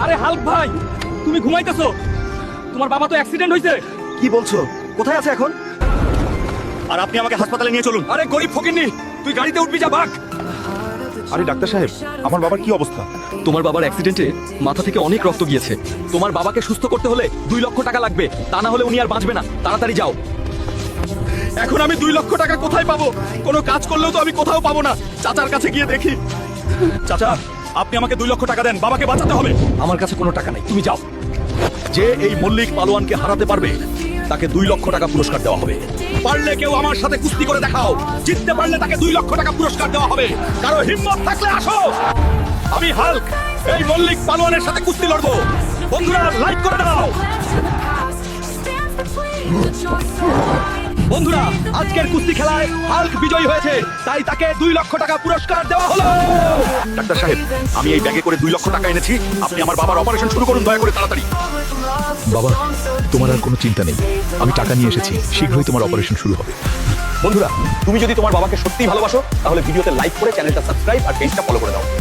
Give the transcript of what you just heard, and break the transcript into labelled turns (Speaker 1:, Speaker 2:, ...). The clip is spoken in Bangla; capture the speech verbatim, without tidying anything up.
Speaker 1: আরে হাল্ক ভাই, তুমি ঘুমাইতেছো? তোমার বাবা তো অ্যাক্সিডেন্ট হয়েছে।
Speaker 2: কি বলছো? কোথায় আছে এখন? আর আপনি আমাকে হাসপাতালে নিয়ে চলুন।
Speaker 1: আরে গরিব ফকিন্নি, তুই গাড়িতে উঠবি, যা ভাগ।
Speaker 3: আরে ডাক্তার সাহেব, আমার বাবার কি অবস্থা?
Speaker 1: তোমার বাবার অ্যাক্সিডেন্টে মাথা থেকে অনেক রক্ত গিয়েছে। তোমার বাবাকে সুস্থ করতে হলে দুই লক্ষ টাকা লাগবে, তা না হলে উনি আর বাঁচবে না। তাড়াতাড়ি যাও। এখন আমি দুই লক্ষ টাকা কোথায় পাবো? কোনো কাজ করলেও তো আমি কোথাও পাবো না। চাচার কাছে গিয়ে দেখি।
Speaker 2: চাচা, আপনি আমাকে দুই লক্ষ টাকা দেন, বাবাকে বাঁচাতে হবে।
Speaker 1: আমার কাছে কোনো টাকা নেই, তুমি যাও।
Speaker 2: যে এই মল্লিক পালোয়ানকে হারাতে পারবে তাকে দুই লক্ষ টাকা পুরস্কার দেওয়া হবে। পারলে কেউ আমার সাথে কুস্তি করে দেখাও, জিততে পারলে তাকে দুই লক্ষ টাকা পুরস্কার দেওয়া হবে। কারো হিম্মত থাকলে আসো, আমি হাল্ক এই মল্লিক পালোয়ানের সাথে কুস্তি লড়বো। বন্ধুরা লাইক করে দাও।
Speaker 1: বন্ধুরা, আজকের কুস্তি খেলায় হাল্ক বিজয়ী হয়েছে, তাই তাকে দুই লক্ষ টাকা পুরস্কার দেওয়া হলো।
Speaker 2: ডাক্তার সাহেব, আমি এই ব্যাগে করে দুই লক্ষ টাকা এনেছি। আপনি আমার বাবার অপারেশন শুরু করুন, দয়া করে তাড়াতাড়ি।
Speaker 3: বাবা, তোমার আর কোনো চিন্তা নেই, আমি টাকা নিয়ে এসেছি, শীঘ্রই তোমার অপারেশন শুরু হবে।
Speaker 2: বন্ধুরা, তুমি যদি তোমার বাবাকে সত্যিই ভালোবাসো তাহলে ভিডিওতে লাইক করে চ্যানেলটা সাবস্ক্রাইব আর পেজটা ফলো করে দাও।